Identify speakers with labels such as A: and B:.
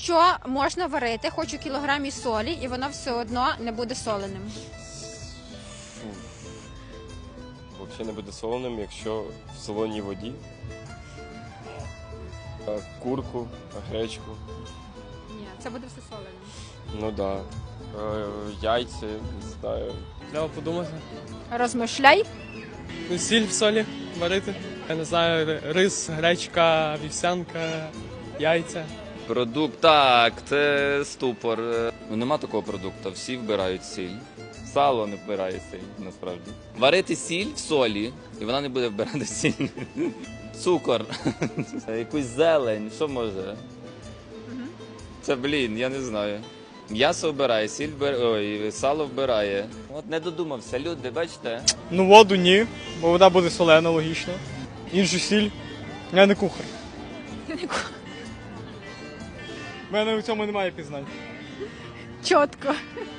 A: Що можна варити хоч у кілограмі солі, і воно все одно не буде соленим?
B: Взагалі не буде соленим, якщо в солоній воді. Курку, гречку.
A: Ні, це буде все соленим.
B: Ну да. Яйця, не знаю.
C: Треба подумати.
A: Розмишляй.
C: Сіль в солі варити. Я не знаю, рис, гречка, вівсянка, яйця.
D: Продукт, так, це ступор. Ну, нема такого продукту, всі вбирають сіль. Сало не вбирає сіль, насправді. Варити сіль в солі, і вона не буде вбирати сіль. Цукор, якусь зелень, що може? Це, я не знаю. М'ясо вбирає, сало вбирає. От не додумався, люди, бачите?
E: Ну, воду ні, бо вода буде солена, логічно. Іншу сіль. Я не кухар. У мене у цьому немає пізнань.
A: Чітко.